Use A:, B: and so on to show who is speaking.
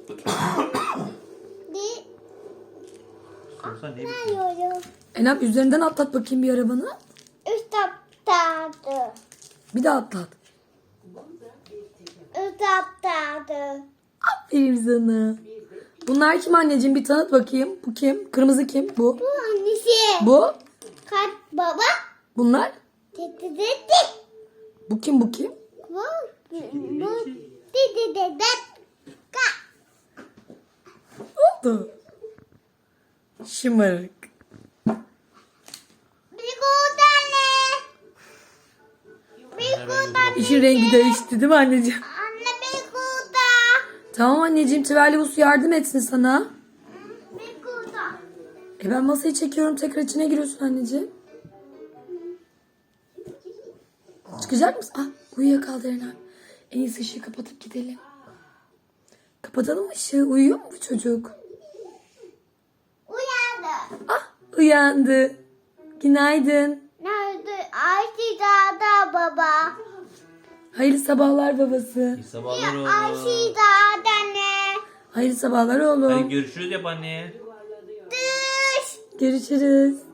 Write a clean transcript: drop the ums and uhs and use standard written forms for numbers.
A: Sorsan ne
B: Ne
A: bileyim.
B: yapıyorum?
C: Enem üzerinden atlat bakayım bir arabanı.
B: Üst taptadı.
C: Bir daha atlat.
B: Üst taptadı.
C: Aferin sana. Bunlar kim anneciğim? Bir tanıt bakayım. Bu kim? Kırmızı kim? Bu.
B: Bu annesi.
C: Bu.
B: Kat baba.
C: Bunlar.
B: Dedi dedi.
C: Bu kim? Bu kim?
B: Bu. Bu. Dedi dedi.
C: Oldu. Şımarık.
B: Bir tane. Bir tane.
C: İşin rengi değişti değil mi anneciğim?
B: Anne bir kuda.
C: Tamam anneciğim. Trivellus yardım etsin sana.
B: Bir kuda.
C: Ben masayı çekiyorum. Tekrar içine giriyorsun anneciğim. Çıkacak mısın? Ah, uyuyakaldı Eren. En iyisi ışığı kapatıp gidelim. Kapatalım mı ışığı? Uyuyor mu bu çocuk?
B: Uyandı.
C: Ah, uyandı. Günaydın.
B: Nerede? Ayşe dağda baba.
C: Hayırlı sabahlar babası.
A: İyi sabahlar oğlum.
B: Ayşe dağda ne?
C: Hayırlı sabahlar
A: Hadi
C: oğlum.
A: görüşürüz yap anne.
B: Düş.
C: Görüşürüz.